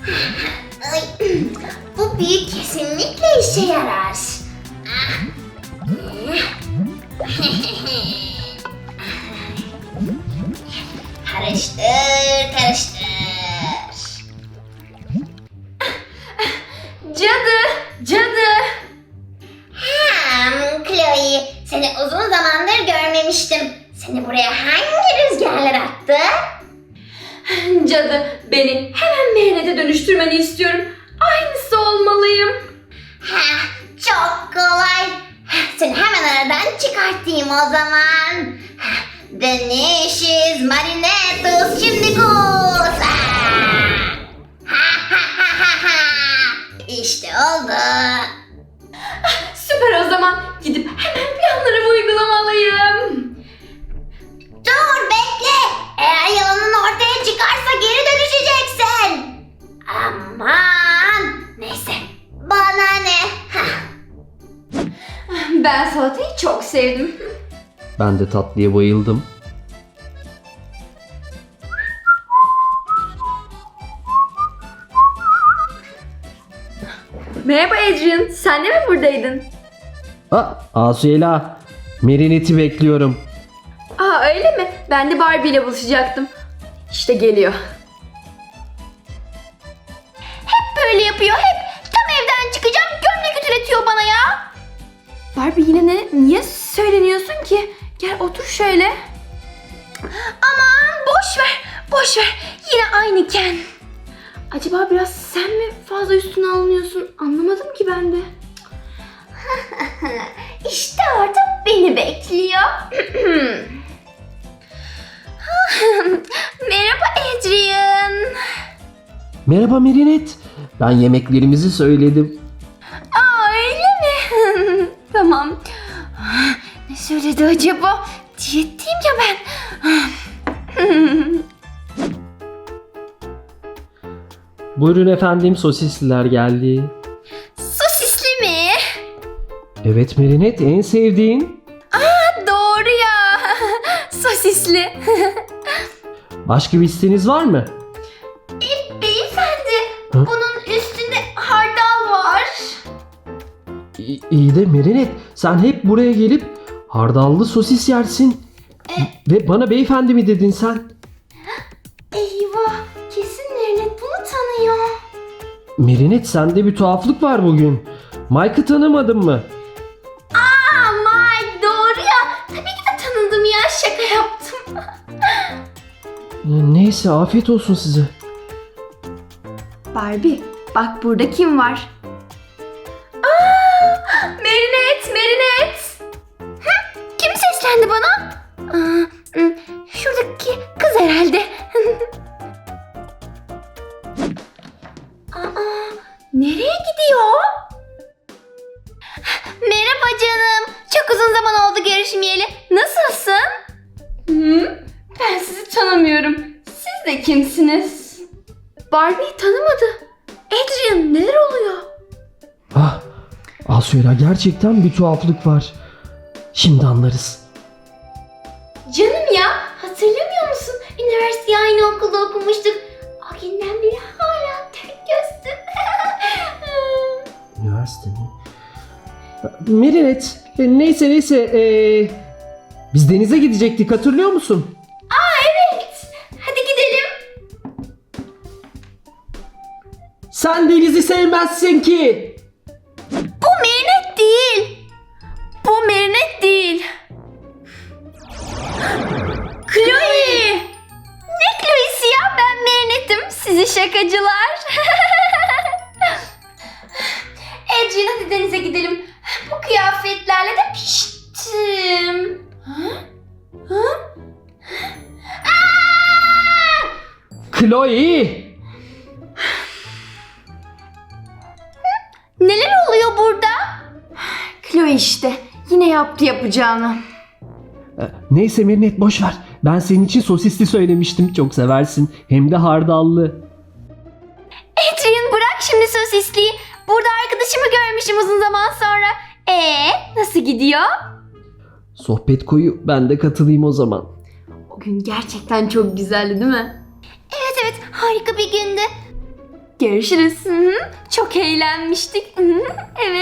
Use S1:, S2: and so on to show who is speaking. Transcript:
S1: Ay, bu büyü kesinlikle işe yarar. Karıştır, karıştır.
S2: Cadı.
S1: Chloe, seni uzun zamandır görmemiştim. Seni buraya hangi rüzgarlar attı?
S2: Cadı, beni hemen mehnete dönüştürmeni istiyorum. Aynısı olmalıyım.
S1: Çok kolay. Seni hemen aradan çıkartayım o zaman. Dönüşüz Marinetus şimdi kus. İşte oldu.
S2: Süper o zaman. Gidip hemen planlarımı uygulamalıyım.
S1: Dur bekle. Eğer yalanın ortaya çıkarsa geri dönüşeceksin. Aman. Neyse. Bana ne?
S2: Ben salatayı çok sevdim.
S3: Ben de tatlıya bayıldım.
S2: Merhaba Adrian, sen de mi buradaydın?
S3: Asuyela, Marinette'i bekliyorum.
S2: Aa öyle mi? Ben de Barbie ile buluşacaktım. İşte geliyor. Hep böyle yapıyor, hep. Tam evden çıkacağım, gömlek ütületiyor bana ya. Barbie yine niye söyleniyorsun ki? Gel otur şöyle. Aman boş ver. Yine aynı Ken. Acaba biraz sen mi fazla üstüne alınıyorsun? Anlamadım ki ben de. İşte orada beni bekliyor. Merhaba Adrian.
S3: Merhaba Marinette. Ben yemeklerimizi söyledim.
S2: Aa öyle mi? Tamam. Ne söyledi acaba? Diyetteyim ya ben.
S3: Buyurun efendim, sosisliler geldi.
S2: Sosisli mi?
S3: Evet Marinette, en sevdiğin.
S2: Doğru ya. Sosisli.
S3: Başka bir isteğiniz var mı?
S2: Beyefendi,
S3: Hı?
S2: bunun üstünde hardal var.
S3: İyi de Marinette, sen hep buraya gelip hardallı sosis yersin. Ve bana beyefendi mi dedin sen?
S2: Eyvah, kesin Merinet bunu tanıyor.
S3: Marinette, sende bir tuhaflık var bugün. Mike'ı tanımadın mı?
S2: Mike doğru ya. Tabii ki de tanıdım ya, şaka yaptım.
S3: Neyse, afiyet olsun size.
S2: Barbie, bak burada kim var? Merinet. Kim seslendi bana? Şuradaki kız herhalde. Nereye gidiyor? Merhaba canım. Çok uzun zaman oldu görüşmeyeli. Nasılsın? Ben sizi tanımıyorum. Siz de kimsiniz? Barbie'yi tanımadı. Adrian, neler oluyor?
S3: Asuyla, gerçekten bir tuhaflık var. Şimdi anlarız.
S2: Canım ya, hatırlamıyor musun? Üniversiteyi aynı okulda okumuştuk. O günden beri hala tek gözlüm.
S3: Üniversite mi? Marinette, neyse. Biz denize gidecektik, hatırlıyor musun?
S2: Evet, hadi gidelim.
S3: Sen denizi sevmezsin ki.
S2: Bu Merinet değil. Chloe. Ne Chloe'si ya? Ben Merinet'im. Sizi şakacılar. Adrian, hadi denize gidelim. Bu kıyafetlerle de piştim.
S3: Chloe!
S2: Neler oluyor burada? Chloe işte. Yine yaptı yapacağını.
S3: Neyse Marinette, boş ver. Ben senin için sosisli söylemiştim. Çok seversin. Hem de hardallı.
S2: Adrian, bırak şimdi sosisliği. Burada arkadaşımı görmüşüm uzun zaman sonra. Nasıl gidiyor?
S3: Sohbet koyu. Ben de katılayım o zaman.
S2: O gün gerçekten çok güzeldi değil mi? Evet, harika bir gündü. Görüşürüz. Hı hı. Çok eğlenmiştik. Hı hı. Evet.